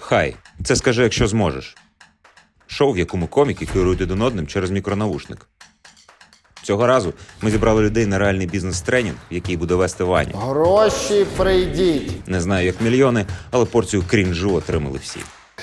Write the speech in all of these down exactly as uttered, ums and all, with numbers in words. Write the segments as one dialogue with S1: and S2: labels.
S1: Хай, це скажи, якщо зможеш. Шоу, в якому коміки керують один одним через мікронаушник. Цього разу ми зібрали людей на реальний бізнес-тренінг, який буде вести Ваня.
S2: Гроші прийдіть.
S1: Не знаю, як мільйони, але порцію крінжу отримали всі.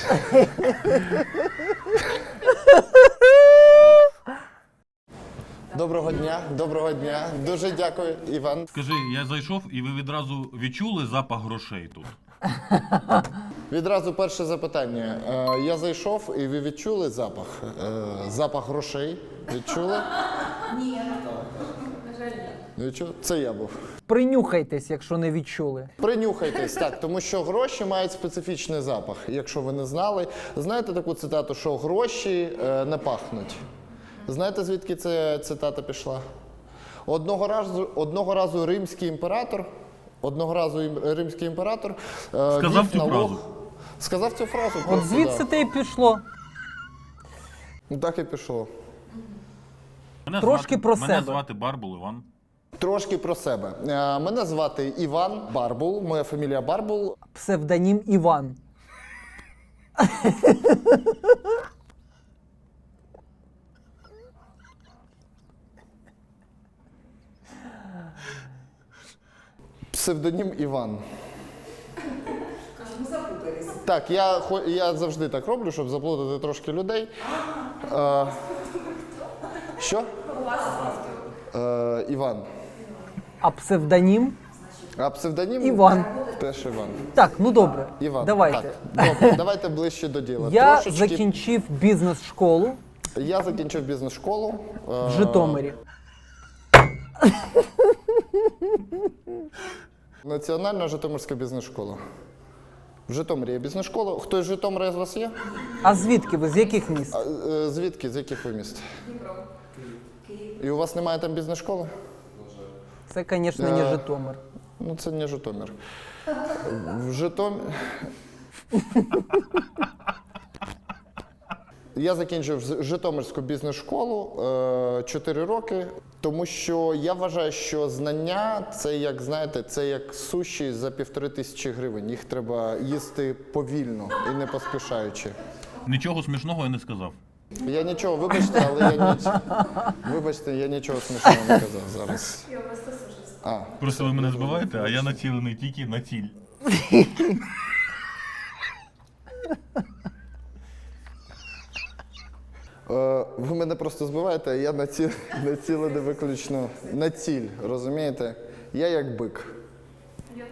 S2: Доброго дня, доброго дня. Дуже дякую, Іван.
S3: Скажи, я зайшов і ви відразу відчули запах грошей тут?
S2: Відразу перше запитання. Е, Я зайшов і ви відчули запах? Е, Запах грошей. Відчули? Ні. На жаль, ні. Відчули? Це я був.
S4: Принюхайтесь, якщо не відчули.
S2: Принюхайтесь, так, тому що гроші мають специфічний запах. Якщо ви не знали, знаєте таку цитату, що гроші е, не пахнуть. Знаєте, звідки ця цитата пішла? Одного разу, одного разу римський імператор, одного разу ім- римський імператор е,
S3: Сказав
S2: ввів
S3: цю
S2: налог-
S3: фразу.
S2: Сказав цю фразу.
S4: От
S2: просто,
S4: звідси
S2: да.
S4: те й пішло.
S2: Ну, так і пішло.
S3: Мене
S4: Трошки
S3: звати,
S4: про
S3: мене
S4: себе.
S3: звати Барбул Іван.
S2: Трошки про себе. Е, Мене звати Іван Барбул, моя фамілія Барбул.
S4: Псевдонім Іван.
S2: Псевдонім Іван. Так, я, хо- я завжди так роблю, щоб заплутати трошки людей. Е, що? Е, Іван.
S4: А псевдонім
S2: А псевдонім?
S4: Іван.
S2: Теж Іван.
S4: Так, ну добре.
S2: Іван.
S4: Давайте.
S2: Так, добре, давайте ближче до діла.
S4: Я
S2: Трошечки-
S4: закінчив бізнес-школу
S2: Я закінчив бізнес-школу. е,
S4: в Житомирі.
S2: Національна Житомирська бізнес-школа. В Житомирі є бізнес-школа. Хтось з Житомира з вас є?
S4: А звідки ви? З яких міст?
S2: А, е, звідки? З яких ви міст? Дніпро. І у вас немає там бізнес-школи?
S4: Це, звісно, не Житомир.
S2: Ну, це не Житомир. В Житомир... Я закінчив з- Житомирську бізнес-школу чотири роки, тому що я вважаю, що знання – це як, знаєте, це як суші за півтори тисячі гривень. Їх треба їсти повільно і не поспішаючи.
S3: Нічого смішного я не сказав.
S2: Я нічого, вибачте, але я ніч... Вибачте, я нічого смішного не казав зараз. А,
S3: Просто ви мене збиваєте, а я націлений тільки на ціль.
S2: Е, Ви мене просто збиваєте, а я наці... націлений виключно на ціль, розумієте? Я як бик. Я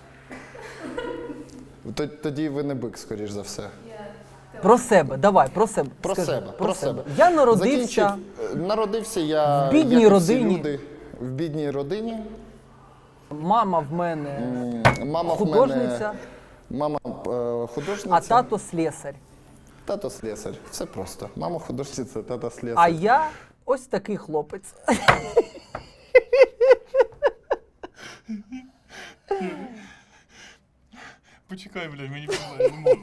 S2: теж. Тоді ви не бик, скоріш за все.
S4: Про себе, давай, про себе.
S2: Про
S4: Скажи,
S2: себе, про себе.
S4: Я народився
S2: Закінчив, е, народився я
S4: в бідній
S2: як і всі
S4: родині.
S2: люди, в бідній родині.
S4: Мама в мене
S2: М, Мама в
S4: художниця,
S2: мене, мама е, художниця,
S4: а тато слесар.
S2: тато слесар. Все просто. Мама художниця, тато слесар.
S4: А я ось такий хлопець.
S3: Почекай, блядь, мені я не можу.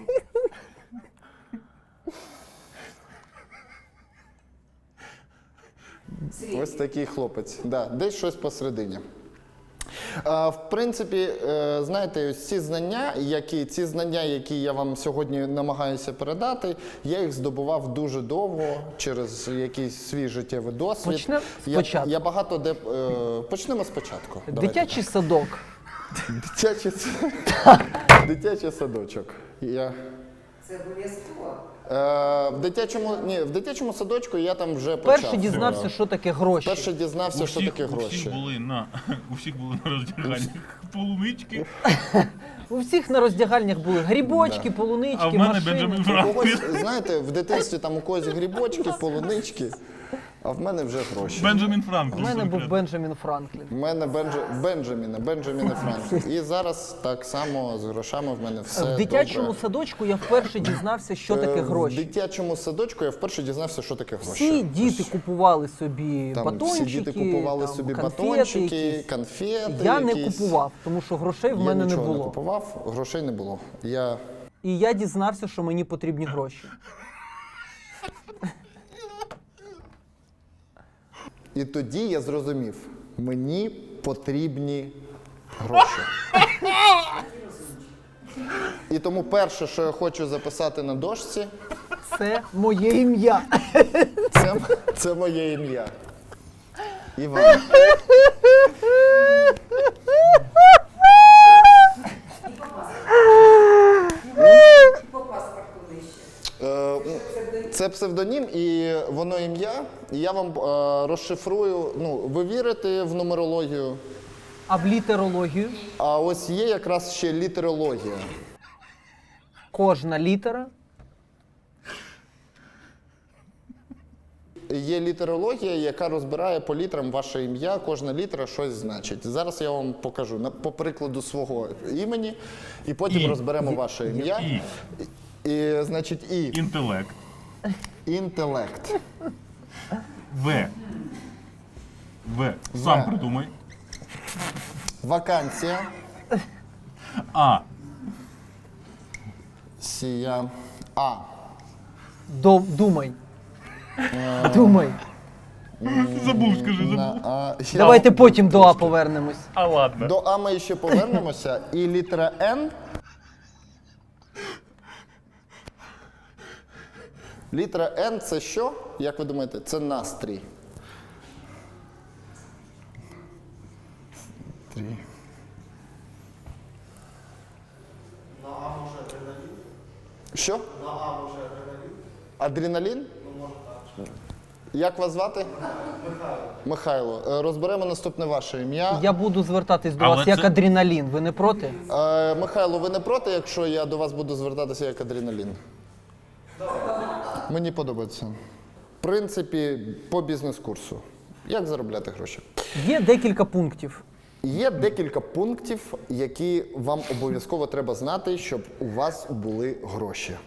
S2: Ось такий хлопець. Да, десь щось посередині. А, в принципі, е, знаєте, ось ці знання, які, ці знання, які я вам сьогодні намагаюся передати, я їх здобував дуже довго через якийсь свій життєвий досвід.
S4: Почнемо
S2: Я,
S4: спочатку.
S2: я багато де... е, Почнемо спочатку. Давайте.
S4: Дитячий садок.
S2: Дитячий, с- Дитячий садочок. Я...
S5: Це обов'язково.
S2: Е, в дитячому, ні, в дитячому садочку я там вже почав.
S4: Перший дізнався, що таке гроші.
S2: Перше дізнався,
S3: У
S2: що
S3: всіх,
S2: таке
S3: у всіх
S2: гроші.
S3: були на, у всіх були на роздяганнях полунички,
S4: У всіх на роздягальнях були грибочки, полунички,
S3: а в мене
S4: машини.
S3: Бенджамін
S2: У
S3: Франклін.
S2: когось, знаєте, в дитинстві там у когось грибочки, полунички, а в мене вже гроші.
S3: Бенджамін
S4: У
S3: Франклін.
S4: мене був
S3: конкретно.
S4: Бенджамін Франклін.
S2: У мене Бенджа... Бенджаміна, Бенджаміна Франклін. І зараз так само з грошами в мене все
S4: В дитячому
S2: добре.
S4: садочку я вперше дізнався, що
S2: Е,
S4: таке
S2: В
S4: гроші.
S2: дитячому садочку я вперше дізнався, що таке гроші.
S4: Всі діти купували собі
S2: Там
S4: батончики,
S2: всі діти купували
S4: там,
S2: собі
S4: конфети
S2: батончики,
S4: якісь.
S2: конфети
S4: Я не
S2: якісь.
S4: купував, тому що грошей в
S2: Я
S4: мене не
S2: нічого не
S4: було.
S2: купував, грошей не було. Я...
S4: І я дізнався, що мені потрібні гроші.
S2: І тоді я зрозумів, мені потрібні гроші. І тому перше, що я хочу записати на дошці,
S4: Це моє ім'я.
S2: це, це моє ім'я. Іван.
S5: По паспорту нижче.
S2: Е, Це псевдонім і воно ім'я. І я вам е, розшифрую. Ну, ви вірите в нумерологію,
S4: А в літерологію
S2: а ось є якраз ще літерологія.
S4: кожна літера.
S2: Є літерологія, яка розбирає по літерам ваше ім'я, кожна літера щось значить. Зараз я вам покажу на, по прикладу свого імені, і потім
S3: І.
S2: розберемо ваше ім'я.
S3: І.
S2: І, значить, і
S3: Інтелект.
S2: інтелект.
S3: В. В. Сам
S2: В.
S3: придумай.
S2: Вакансія.
S3: А.
S2: Сія. А.
S4: До, думай. Думай.
S3: Забув, скажи, забув.
S2: На А. Я-
S4: Давайте потім до А повернемось.
S3: А ладно.
S2: До А ми ще повернемося. І літера Н. Літера Н це що? Як ви думаєте? Це настрій. Настрій. На А може адреналін? Що? На А може адреналін. Адреналін? Ну, може так. Як вас звати? Михайло. Михайло. Е, Розберемо наступне ваше ім'я.
S4: Я буду звертатись до
S3: Але
S4: вас як
S3: це-
S4: адреналін. Ви не проти?
S2: Е, Михайло, ви не проти, якщо я до вас буду звертатися як адреналін? Мені подобається. В принципі, по бізнес-курсу. Як заробляти гроші?
S4: Є декілька пунктів.
S2: Є декілька пунктів, які вам обов'язково треба знати, щоб у вас були гроші.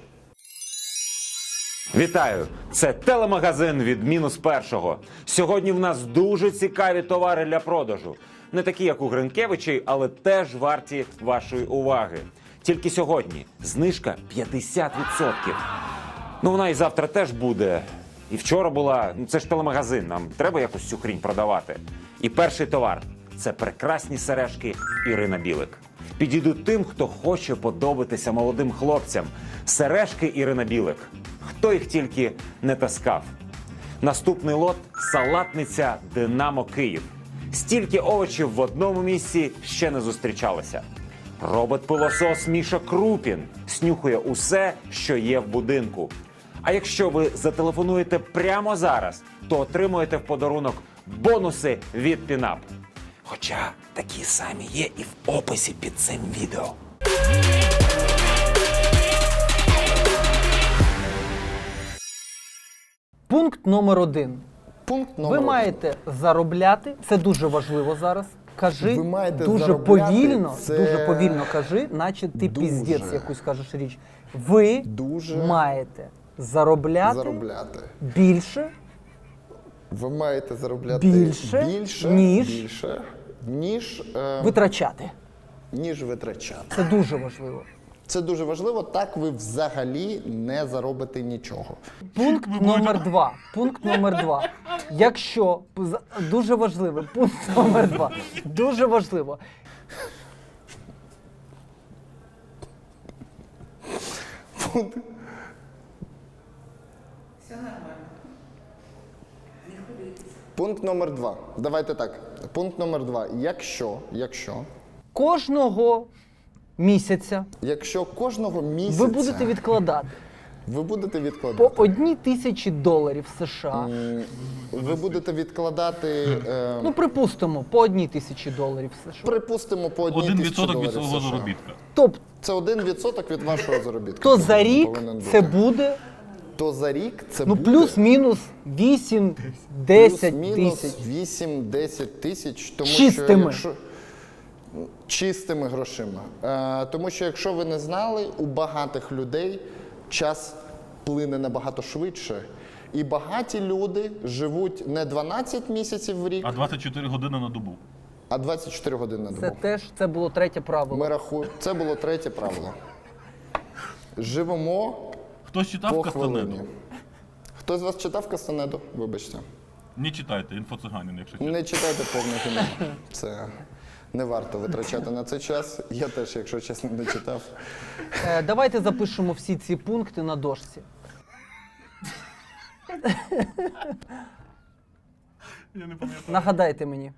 S1: Вітаю! Це телемагазин від мінус першого. Сьогодні в нас дуже цікаві товари для продажу. Не такі, як у Гринкевичей, але теж варті вашої уваги. Тільки сьогодні знижка п'ятдесят відсотків. Ну, вона і завтра теж буде. І вчора була. Ну, це ж телемагазин, нам треба якось цю хрінь продавати. І перший товар – це прекрасні сережки Ірина Білик. Підійдуть тим, хто хоче подобатися молодим хлопцям. Сережки Ірина Білик. Хто їх тільки не таскав. Наступний лот – салатниця «Динамо Київ». Стільки овочів в одному місці ще не зустрічалося. Робот-пилосос Міша Крупін снюхує усе, що є в будинку. А якщо ви зателефонуєте прямо зараз, то отримуєте в подарунок бонуси від Пінап. Хоча такі самі є і в описі під цим відео.
S4: Пункт номер один.
S2: Пункт номер
S4: Ви
S2: один.
S4: маєте заробляти, це дуже важливо зараз. Кажи
S2: Ви маєте
S4: дуже
S2: заробляти,
S4: повільно,
S2: це
S4: дуже повільно кажи, наче ти
S2: дуже.
S4: піздець якусь кажеш річ. Ви
S2: Дуже
S4: маєте заробляти,
S2: заробляти.
S4: більше,
S2: Ви маєте заробляти
S4: Більше,
S2: більше,
S4: ніж-
S2: більше, ніж, е,
S4: витрачати.
S2: ніж витрачати.
S4: Це дуже важливо.
S2: Це дуже важливо, так ви взагалі не заробите нічого.
S4: Пункт номер два. Пункт номер два. Якщо з- дуже важливо, пункт номер два. Дуже важливо.
S5: Все нормально. Не хвилюйтесь.
S2: Пункт номер два. Давайте так. Пункт номер два. Якщо, якщо,
S4: Кожного місяця
S2: якщо кожного місяця
S4: ви будете відкладати
S2: ви будете
S4: по
S2: відкладати,
S4: одній тисячі доларів США.
S2: ви будете відкладати, е,
S4: Ну, припустимо, по одній тисячі доларів США.
S2: припустимо, по одній
S3: Один
S2: тисячі
S3: відсоток від
S2: доларів
S3: свого
S2: США.
S3: заробітка.
S4: Тобто,
S2: Це один відсоток від вашого заробітку.
S4: то за рік
S2: повинен
S4: це
S2: бути.
S4: буде,
S2: То за рік це
S4: ну,
S2: буде
S4: плюс-мінус вісім-десять
S2: плюс-мінус
S4: тисяч.
S2: вісім-десять тисяч, тому
S4: Чистими.
S2: що якщо чистими грошима. Е, тому що якщо ви не знали, у багатих людей час плине набагато швидше. І багаті люди живуть не дванадцять місяців в рік,
S3: А двадцять чотири години на добу.
S2: а двадцять чотири години на добу.
S4: Це теж це було третє правило.
S2: Ми рахуємо. Це було третє правило. Живемо
S3: Хтось читав
S2: по
S3: Кастанеду?
S2: хвилині. Хто з вас читав Кастанеду? Вибачте.
S3: Не читайте, інфоциганин, якщо чесно.
S2: Не читайте повне кіно. Це Не варто витрачати на це час. Я теж, якщо чесно, не читав.
S4: Е, давайте запишемо всі ці пункти на дошці.
S3: Я не пам'ятаю.
S4: Нагадайте мені.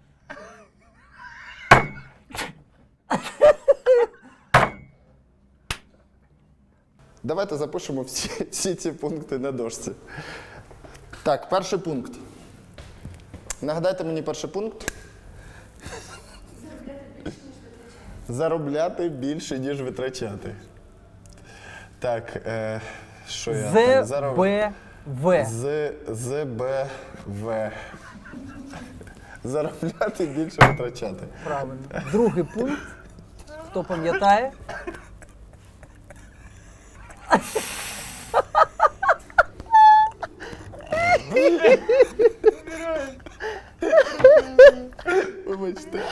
S2: Давайте запишемо всі, всі ці пункти на дошці. Так, перший пункт. Нагадайте мені перший пункт. Заробляти більше, ніж витрачати. Так, е, що я там? Зароб-
S4: ЗБВ.
S2: З, ЗБВ. Заробляти більше витрачати.
S4: Правильно. Другий пункт. Хто пам'ятає?
S2: Вибачте.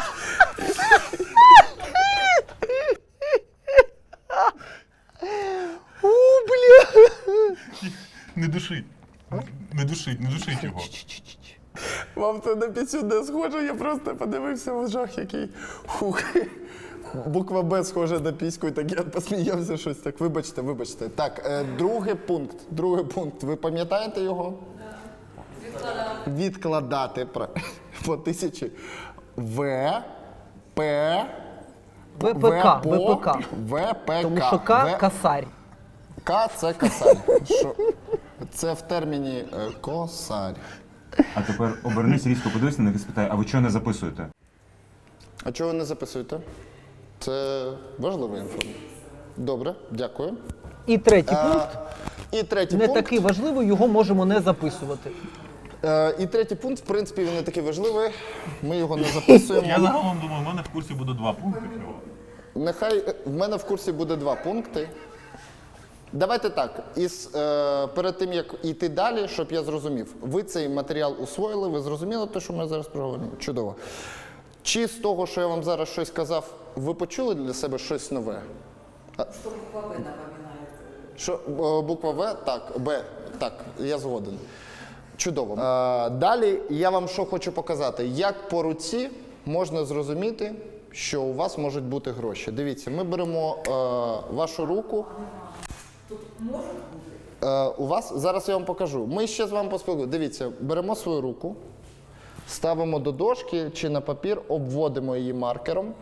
S3: Не душить. Не душить, не душить його.
S2: Вам це на пісню не схоже, я просто подивився в жах, який хух. Буква Б схожа на піську, і так я посміявся щось так. Вибачте, вибачте. Так, е, другий пункт. Другий пункт. Ви пам'ятаєте його? Відкладати. Відкладати про- по тисячі. В, П,
S4: ВПК.
S2: по,
S4: ВПК.
S2: ВПК.
S4: Тому що К
S2: В-
S4: касарь.
S2: К це косарь. Що? Це в терміні е, косарь.
S1: А тепер обернись, різко подивись на них і спитай, а ви чого не записуєте?
S2: А чого ви не записуєте? Це важлива інформація. Добре, дякую.
S4: І третій пункт.
S2: І третій
S4: Не
S2: пункт.
S4: такий важливий, його можемо не записувати.
S2: Е, і третій пункт, в принципі, він не такий важливий. Ми його не записуємо.
S3: Я загалом думаю, в мене в курсі буде два пункти всього.
S2: Нехай е, в мене в курсі буде два пункти. Давайте так. Із, е, перед тим, як йти далі, щоб я зрозумів, ви цей матеріал усвоїли, ви зрозуміли те, що ми зараз проговоримо? Чудово. Чи з того, що я вам зараз щось казав, ви почули для себе щось нове?
S5: Что буква В напоминает?
S2: Що е, буква В, так, Б, так, я згоден. Чудово. Е, далі я вам що хочу показати. Як по руці можна зрозуміти, що у вас можуть бути гроші. Дивіться, ми беремо е, вашу руку.
S5: Тут может быть?
S2: Е, у вас, зараз я вам покажу. Ми ще з вами поспілкуємося. Дивіться, беремо свою руку, ставимо до дошки чи на папір, обводимо її маркером.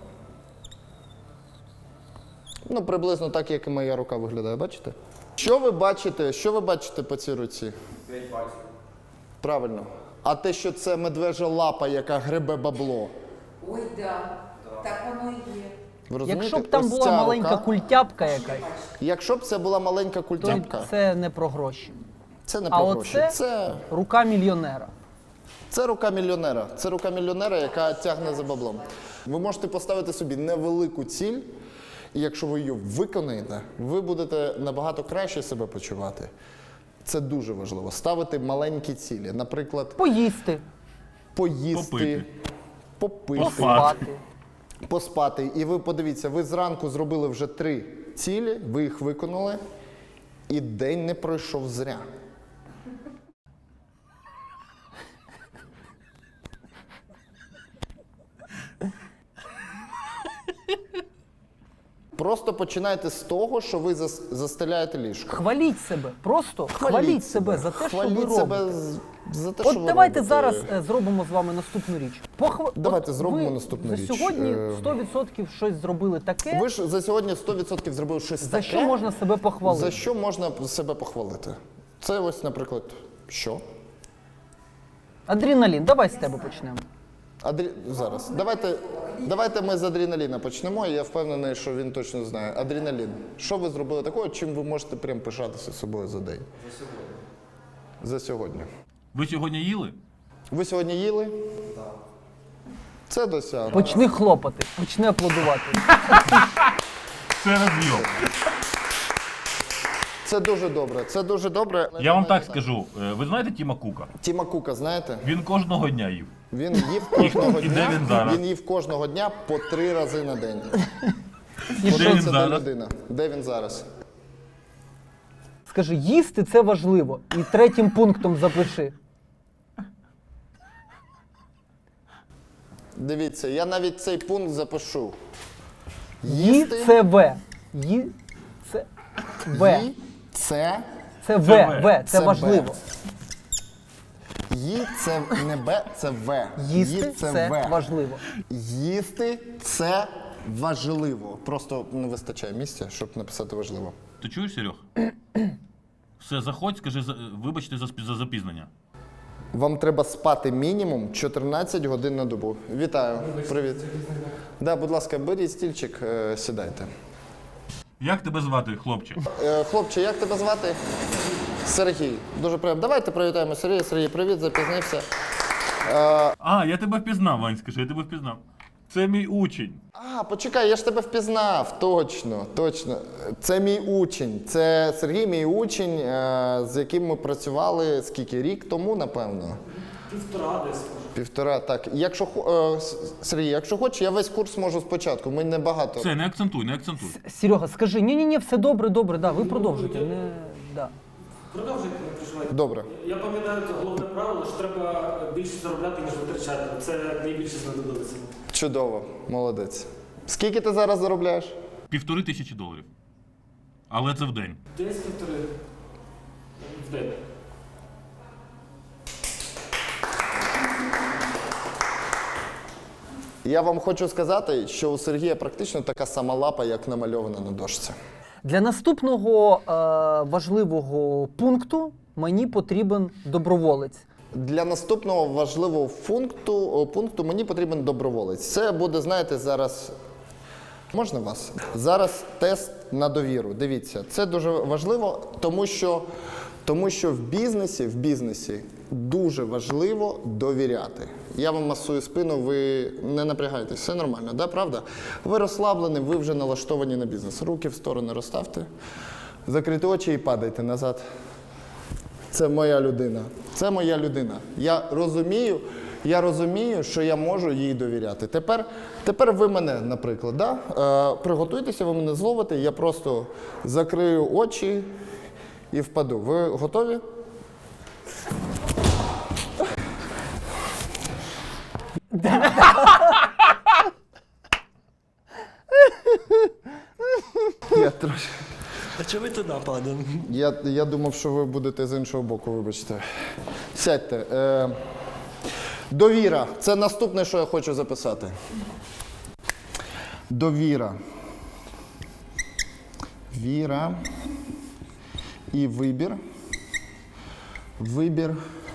S2: Ну, приблизно так, як і моя рука виглядає, бачите? Що ви бачите, що ви бачите по цій руці? П'ять пальців. Правильно. А те, що це медвежа лапа, яка гребе бабло.
S5: Ой, да. Так воно і є.
S2: Ви розумієте?
S4: Якщо б там
S2: Ось
S4: була
S2: ця
S4: маленька
S2: рука,
S4: культяпка якась,
S2: Якщо б це була маленька
S4: то
S2: культяпка,
S4: це не про гроші.
S2: це не
S4: А
S2: про
S4: оце-
S2: гроші. Це,
S4: Рука мільйонера.
S2: це рука мільйонера. Це рука мільйонера, яка тягне за баблом. Ви можете поставити собі невелику ціль, і якщо ви її виконаєте, ви будете набагато краще себе почувати. Це дуже важливо. Ставити маленькі цілі. Наприклад,
S4: Поїсти,
S2: поїсти,
S3: Попити.
S2: попити,
S4: поспати.
S2: поспати. І ви подивіться, ви зранку зробили вже три цілі, ви їх виконали, і день не пройшов зря. Просто починайте з того, що ви зас- застеляєте ліжко.
S4: Хваліть себе. Просто хваліть, себе за те,
S2: Хваліть
S4: що ви
S2: себе
S4: робите.
S2: з- за те,
S4: От
S2: що ви
S4: давайте
S2: робите.
S4: зараз е, зробимо з вами наступну річ. Похва...
S2: Давайте
S4: От
S2: зробимо
S4: ви
S2: наступну
S4: за
S2: річ.
S4: сьогодні
S2: Е,
S4: сто відсотків щось зробили таке,
S2: Ви ж за сьогодні сто відсотків зробили щось
S4: за
S2: таке,
S4: що можна себе похвалити.
S2: за що можна себе похвалити. Це ось, наприклад, що?
S4: Адреналін, давай з тебе почнемо.
S2: Адрі... Зараз. Давайте, давайте ми з адреналіна почнемо, і я впевнений, що він точно знає. Адреналін. Що ви зробили такого, чим ви можете прям пишатися собою за день? За сьогодні. За сьогодні.
S3: Ви сьогодні їли?
S2: Ви сьогодні їли? Так. Це досягнення.
S4: Почни хлопати, почни аплодувати.
S3: Це розйом.
S2: Це дуже добре. Це дуже добре.
S3: Я вам так скажу. е, Ви знаєте Тіма Кука?
S2: Тіма Кука, знаєте?
S3: Він кожного дня їв.
S2: Він їв кожного
S3: І де
S2: дня.
S3: він зараз?
S2: Він їв кожного дня по три рази на день.
S4: І
S3: Де
S4: що?
S3: він
S2: Це
S3: зараз?
S2: людина. Де він зараз?
S4: Скажи, їсти це важливо. І третім пунктом запиши.
S2: Дивіться, я навіть цей пункт запишу.
S4: Ї це В. Ї це В.
S2: Ї це
S4: Це В.
S3: Це В.
S4: В. Це
S2: Це
S4: важливо.
S2: Ї це не Б, це В.
S4: Їсти
S2: Ї
S4: це
S2: В.
S4: важливо.
S2: Їсти це важливо. Просто не вистачає місця, щоб написати важливо.
S3: Ти чуєш, Серег? Все, заходь, скажи, за- вибачте за, спі- за запізнення.
S2: Вам треба спати мінімум чотирнадцять годин на добу. Вітаю. Привіт. Да, будь ласка, беріть стільчик, е, сідайте.
S3: Як тебе звати, хлопче?
S2: Е, хлопче, як тебе звати? Сергій. Дуже приємно. Давайте привітаємо Сергія. Сергій, привіт, запізнився.
S3: А, я тебе впізнав, Вань, скажи, я тебе впізнав. Це мій учень.
S2: А, почекай, я ж тебе впізнав. Точно, точно. Це мій учень. Це Сергій, мій учень, е, з яким ми працювали скільки? Рік тому, напевно.
S6: Півтора десь.
S2: Півтора, так. Якщо хо- е, С- Сергій, якщо хочеш, я весь курс можу спочатку. Ми не багато.
S3: Все, не акцентуй, не акцентуй.
S4: Серега, скажи, ні, ні, ні, все добре, добре, да, ви продовжуйте. Не, да.
S6: Продовжуйте, не переживайте.
S2: Добре.
S6: Я пам'ятаю це головне правило, що треба більше заробляти, ніж витрачати. Це найбільше знадобиться.
S2: Чудово, молодець. Скільки ти зараз заробляєш?
S3: Півтори тисячі доларів. Але це в день.
S6: Десь півтори в день.
S2: Я вам хочу сказати, що у Сергія практично така сама лапа, як намальована на дошці.
S4: Для наступного е, важливого пункту мені потрібен доброволець.
S2: Для наступного важливого пункту, пункту мені потрібен доброволець. Це буде, знаєте, зараз. Можна вас? Зараз тест на довіру. Дивіться, це дуже важливо, тому що, тому що в бізнесі, в бізнесі дуже важливо довіряти. Я вам масую спину, ви не напрягайтесь, все нормально, да, правда? Ви розслаблені, ви вже налаштовані на бізнес. Руки в сторони розставте, закрийте очі і падайте назад. Це моя людина. Це моя людина. Я розумію, я розумію, що я можу їй довіряти. Тепер, тепер ви мене, наприклад, да? е, приготуйтеся, ви мене зловите, я просто закрию очі і впаду. Ви готові? Я трошки.
S7: А чого ви туди падаємо?
S2: Я, я думав, що ви будете з іншого боку, вибачте. Сядьте. Е, довіра. Це наступне, що я хочу записати. Довіра. Віра. І вибір. Вибір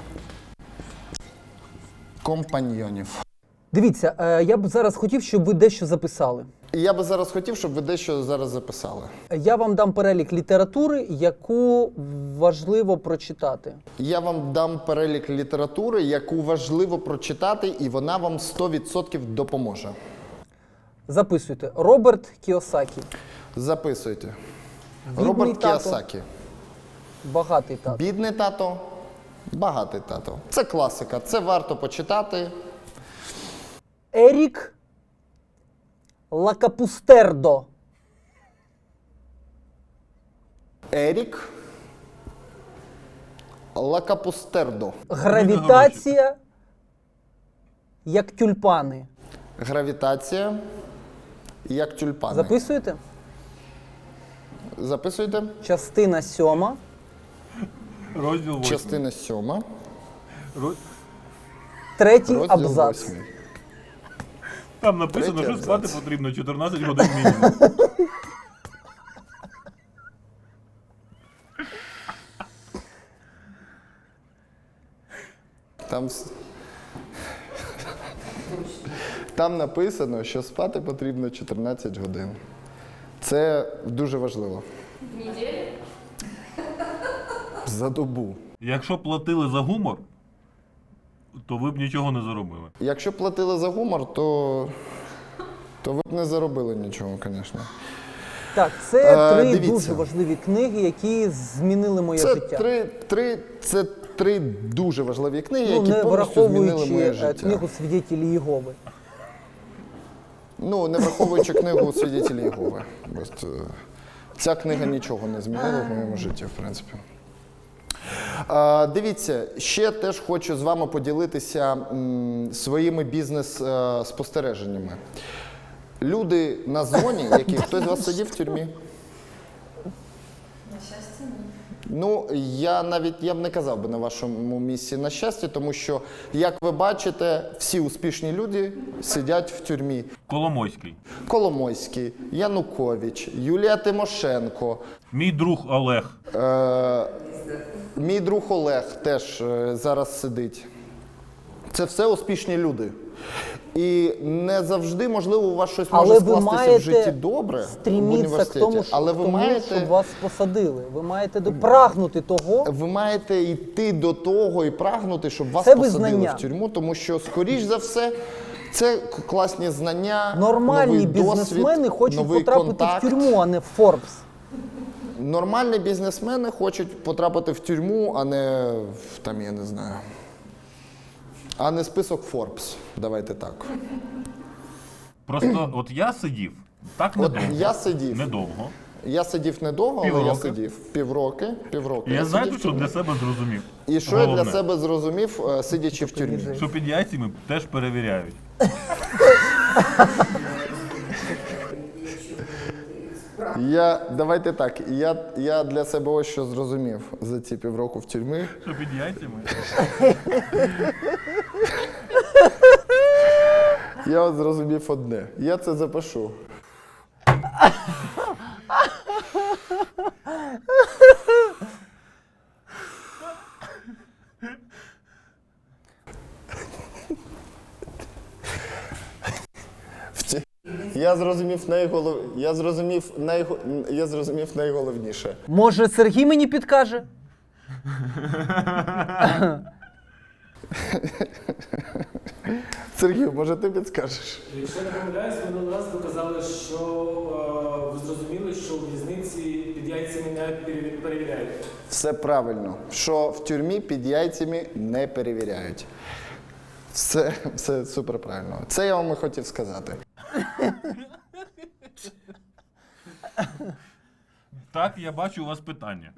S2: компаньйонів.
S4: Дивіться, е, я б зараз хотів, щоб ви дещо записали.
S2: І я би зараз хотів, щоб ви дещо зараз записали.
S4: Я вам дам перелік літератури, яку важливо прочитати.
S2: Я вам дам перелік літератури, яку важливо прочитати, і вона вам сто відсотків допоможе.
S4: Записуйте. Роберт Кіосакі.
S2: Записуйте.
S4: Бідний
S2: Роберт
S4: тато.
S2: Кіосакі.
S4: Багатий тато.
S2: Бідний тато, багатий тато. Це класика, це варто почитати.
S4: Ерік Лакапустердо.
S2: Ерік Лакапустердо.
S4: Гравітація як тюльпани.
S2: Гравітація, як тюльпани.
S4: Записуєте?
S2: Записуйте.
S4: Частина сьома.
S3: Розділ восьмий.
S2: Частина сьома.
S3: Роз-
S4: Третій
S2: Розділ
S4: абзац.
S2: восьмий.
S3: Там написано,
S2: Третій
S3: що спати
S2: абзац.
S3: потрібно чотирнадцять годин мінімум.
S2: Там, с- Там написано, що спати потрібно чотирнадцять годин. Це дуже важливо. В неділю? За добу.
S3: Якщо платили за гумор, то ви б нічого не заробили.
S2: Якщо платили за гумор, то, то ви б не заробили нічого, звісно.
S4: Так, це
S2: Е,
S4: три
S2: дивіться.
S4: дуже важливі книги, які змінили моє
S2: Це
S4: життя.
S2: три, три, це три дуже важливі книги,
S4: Ну,
S2: які
S4: не
S2: повністю змінили
S4: враховуючи
S2: моє
S4: е,
S2: життя.
S4: книгу «Свідетелі Єгови».
S2: Ну, не враховуючи книгу «Свідетелі Єгови». Просто ця книга нічого не змінила в моєму житті, в принципі. А, дивіться, ще теж хочу з вами поділитися м, своїми бізнес-спостереженнями. Люди на зоні, які хтось з вас сидів в тюрмі?
S5: На щастя, ні.
S2: Ну, я навіть я б не казав би на вашому місці на щастя, тому що, як ви бачите, всі успішні люди сидять в тюрмі.
S3: Коломойський.
S2: Коломойський, Янукович, Юлія Тимошенко,
S3: Мій друг Олег.
S2: е, мій друг Олег теж е, зараз сидить. Це все успішні люди. І не завжди, можливо, у вас щось може
S4: Але ви
S2: скластися в житті
S4: маєте
S2: добре в
S4: стрімітися к
S2: університеті,
S4: тому, що,
S2: але ви
S4: тому
S2: маєте...
S4: щоб вас посадили. Ви маєте прагнути того.
S2: Ви маєте йти до того і прагнути, щоб вас
S4: Це
S2: посадили
S4: визнання.
S2: в тюрму, тому що, скоріш за все, це к- класні знання,
S4: Нормальні
S2: новий
S4: бізнесмени
S2: досвід,
S4: хочуть
S2: новий
S4: потрапити
S2: контакт.
S4: в тюрму, а не в Форбс.
S2: Нормальні бізнесмени хочуть потрапити в тюрму, а не в, там, я не знаю, а не список Forbes. Давайте так.
S3: Просто от я сидів так
S2: От
S3: недовго.
S2: я сидів.
S3: Недовго.
S2: Я сидів недовго, але я
S3: Півроку.
S2: сидів. Півроки. Півроку.
S3: І я
S2: сидів
S3: знаєте,
S2: в
S3: що
S2: тюрмі.
S3: для себе зрозумів?
S2: І що я для
S3: Головне,
S2: себе зрозумів, е, сидячи в тюрмі?
S3: що під яйцями теж перевіряють.
S2: Я, давайте так, я, я для себе ось що зрозумів за ці півроку в тюрмі.
S3: Що під яйцями?
S2: Я от зрозумів одне. Я це запишу. В ці- Я зрозумів найголов... я зрозумів найго... я зрозумів найголовніше.
S4: Може, Сергій мені підкаже?
S2: Сергій, може ти підскажеш?
S6: Якщо я не помиляюсь, минулий раз ви казали, що е, ви зрозуміли, що в в'язниці під яйцями не переві- перевіряють.
S2: Все правильно, що в тюрмі під яйцями не перевіряють. Все, все супер правильно. Це я вам і хотів сказати.
S3: Так, я бачу у вас питання.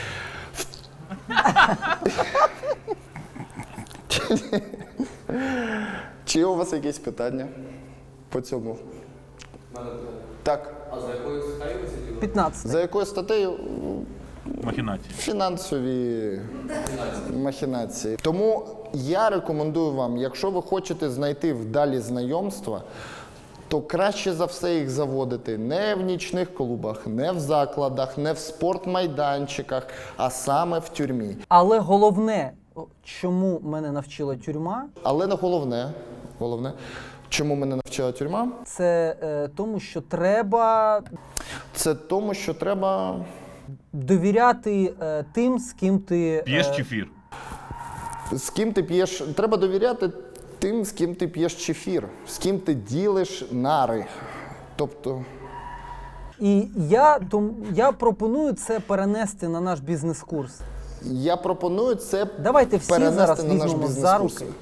S2: Чи є у вас якісь питання по цьому? Так.
S4: п'ятнадцять.
S2: За якою статтею?
S3: Махінації.
S2: Фінансові махінації. Тому я рекомендую вам, якщо ви хочете знайти вдалі знайомства, то краще за все їх заводити не в нічних клубах, не в закладах, не в спортмайданчиках, а саме в тюрмі.
S4: Але головне, о, чому мене навчила тюрма,
S2: Але не головне, головне, чому мене навчила тюрма,
S4: це е, тому, що треба
S2: це тому, що треба.
S4: довіряти е, тим, з ким ти.
S3: П'єш
S4: е,
S3: чефір.
S2: З ким ти п'єш, треба довіряти тим, з ким ти п'єш чефір, з ким ти ділиш нари. Тобто,
S4: І я, том, я пропоную це перенести на наш бізнес-курс.
S2: я пропоную це
S4: Давайте всі
S2: перенести
S4: зараз
S2: на наш
S4: візьмемо за
S2: бізнес-курс.
S4: руки.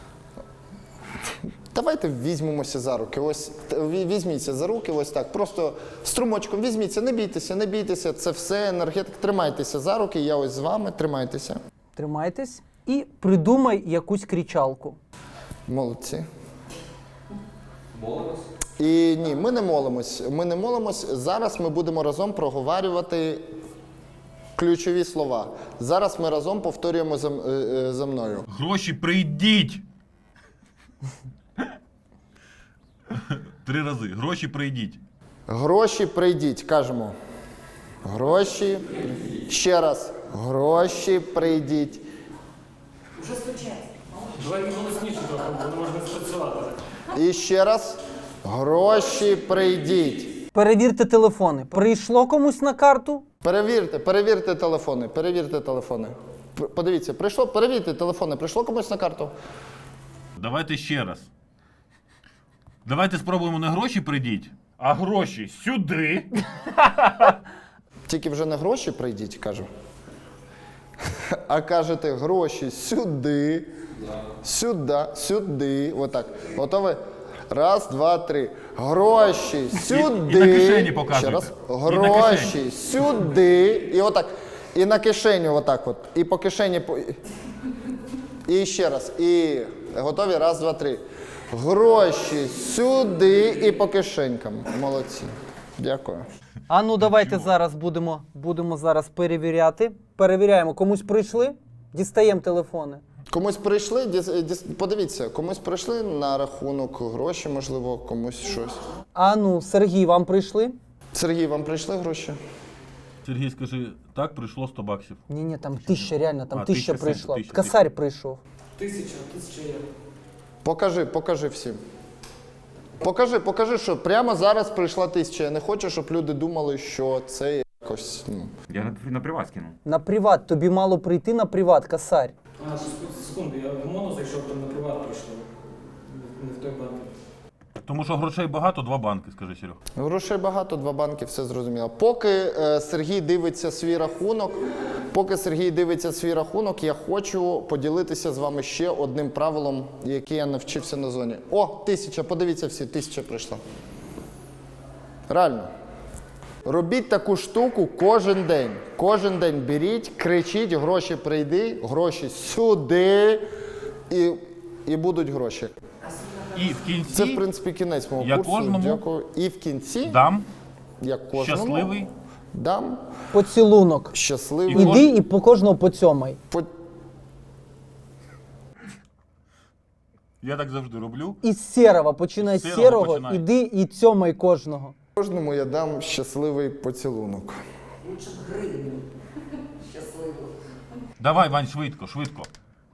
S2: Давайте візьмемося за руки. Ось т- ві- візьміться за руки, ось так. Просто струмочком візьміться, не бійтеся, не бійтеся. Це все енергетика. Тримайтеся за руки, я ось з вами, тримайтеся.
S4: Тримайтесь і придумай якусь кричалку.
S2: Молодці. Молимось? І ні, ми не молимось. Ми не молимось. Зараз ми будемо разом проговорювати ключові слова. Зараз ми разом повторюємо за, м- е, е, за мною.
S3: Гроші прийдіть! Три рази. Гроші прийдіть.
S2: Гроші прийдіть, кажемо. Гроші. Ще раз. Гроші прийдіть.
S5: Уже стучать.
S6: Давайте голосніше трохи, бо не можна спрацювати.
S2: І ще раз. Гроші прийдіть.
S4: Перевірте телефони. Прийшло комусь на карту?
S2: Перевірте, перевірте телефони, перевірте телефони. П- Подивіться, прийшло, перевірте телефони, прийшло комусь на карту?
S3: Давайте ще раз. Давайте спробуємо не гроші прийдіть, а гроші сюди.
S2: Тільки вже не гроші прийдіть, кажу. А кажете гроші сюди, сюди, сюди. Отак. Готові? Раз, два, три. Гроші сюди.
S3: і на кишені показуйте.
S2: Ще раз.
S3: І на
S2: Гроші
S3: кишені.
S2: сюди. І отак. І на кишеню отак от. І по кишені. По... І ще раз. І готові? Раз, два, три. Гроші сюди і по кишенькам. Молодці. Дякую.
S4: А ну давайте зараз будемо, будемо зараз перевіряти. Перевіряємо, комусь прийшли, дістаємо телефони.
S2: Комусь прийшли, діс- діс- подивіться, комусь прийшли на рахунок гроші, можливо, комусь щось.
S4: А ну, Сергій, вам прийшли?
S2: Сергій, вам прийшли гроші?
S3: Сергій, скажи, так, прийшло сто баксів.
S4: Ні-ні, там тисяча, реально, там
S3: А,
S4: тисяча
S3: тисяча,
S4: прийшла.
S3: тисяча,
S4: Косарь прийшов.
S6: Тисяча, тисяча є.
S2: Покажи, покажи всім. Покажи, покажи, що прямо зараз прийшла тисяча. Я не хочу, щоб люди думали, що це якось. Ну.
S1: Я на, на приват скинув.
S4: На приват, тобі мало прийти на приват, косарь.
S6: А, секунду, секунду, я в моно зайшов, там на приват прийшло. Не- Не в той банк.
S3: Тому що грошей багато, два банки, скажи, Серег.
S2: Грошей багато, два банки, все зрозуміло. Поки е, Сергій дивиться свій рахунок, поки Сергій дивиться свій рахунок, я хочу поділитися з вами ще одним правилом, яке я навчився на зоні. О, тисяча, подивіться всі, тисяча прийшла. Реально. Робіть таку штуку кожен день. Кожен день беріть, кричіть, гроші прийди, гроші сюди, і, і будуть гроші.
S3: І в кінці
S2: Це, в принципі, кінець мого
S3: Я
S2: курсу.
S3: кожному
S2: Дякую. І в кінці,
S3: дам
S2: як кожному,
S3: щасливий.
S2: дам
S4: Поцілунок.
S2: щасливий.
S3: І
S4: Іди і по кожного поцьомай.
S2: По...
S3: Я так завжди роблю.
S4: Із сірого, починай з
S3: З
S4: сірого,
S3: сірого починай.
S4: іди і цьомай кожного.
S2: Кожному я дам щасливий поцілунок.
S5: Лучше б гривню. Щасливо.
S3: Давай, Вань, швидко, швидко.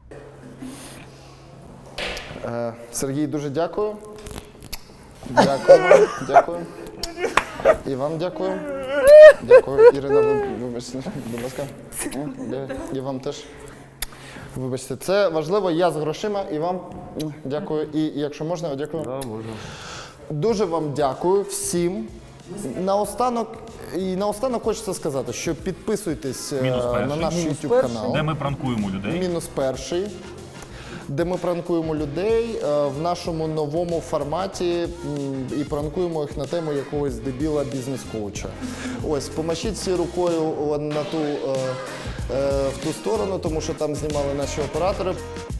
S2: Е, Сергій, дуже дякую. Дякую вам. Дякую. І вам дякую. Дякую. Ірина, ви- вибачте, будь ласка. М, де- І вам теж. Вибачте, це важливо, я з грошима і вам м, дякую. І якщо можна, дякую. Да, можна. Дуже вам дякую всім. Наостанок, і наостанок хочеться сказати, що підписуйтесь е,
S3: Мінус перший.
S2: на наш
S4: Мінус
S2: YouTube
S4: перший.
S2: канал.
S3: Де ми пранкуємо людей.
S2: Мінус перший, де ми пранкуємо людей е, в нашому новому форматі м, і пранкуємо їх на тему якогось дебіла бізнес-коуча. Ось, помашіть всі рукою о, на ту, е, е, в ту сторону, тому що там знімали наші оператори.